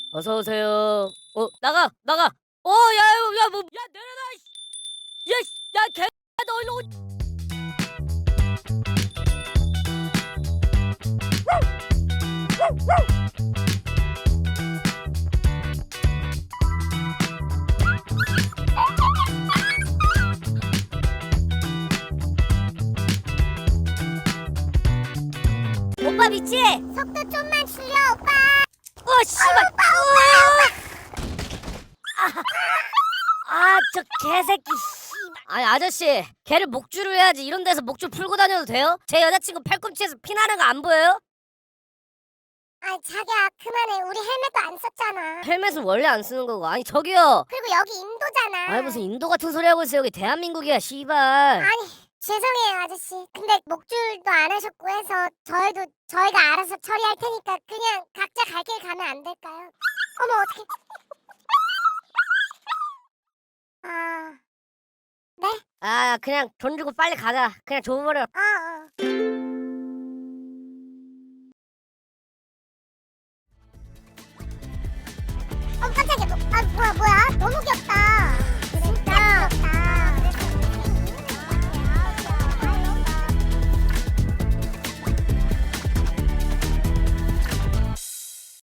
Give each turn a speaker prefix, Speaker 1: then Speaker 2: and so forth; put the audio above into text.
Speaker 1: 어서 오세요. 나가, 나가. 야, 뭐, 야, 내려놔. 야, 야, 개, 너 일로 오. 오빠 믿지?
Speaker 2: 속도 좀만 줄여, 오빠.
Speaker 1: 씨발. 저 개새끼. 씨발. 아니 아저씨, 개를 목줄을 해야지. 이런 데서 목줄 풀고 다녀도 돼요? 제 여자친구 팔꿈치에서 피 나는 거 안 보여요?
Speaker 2: 아이, 자기야, 그만해. 우리 헬멧도 안 썼잖아.
Speaker 1: 헬멧은 원래 안 쓰는 거고. 아니 저기요.
Speaker 2: 그리고 여기 인도잖아.
Speaker 1: 아니 무슨 인도 같은 소리 하고 있어. 여기 대한민국이야, 씨발.
Speaker 2: 아니, 죄송해요, 아저씨. 근데 목줄도 안 하셨고 해서 저희가 알아서 처리할 테니까 그냥 각자 갈 길 가면 안 될까요? 어머, 어떡해. 네?
Speaker 1: 그냥 돈 주고 빨리 가자. 그냥 줘버려.
Speaker 2: 깜짝이야. 뭐야. 너무 귀엽다.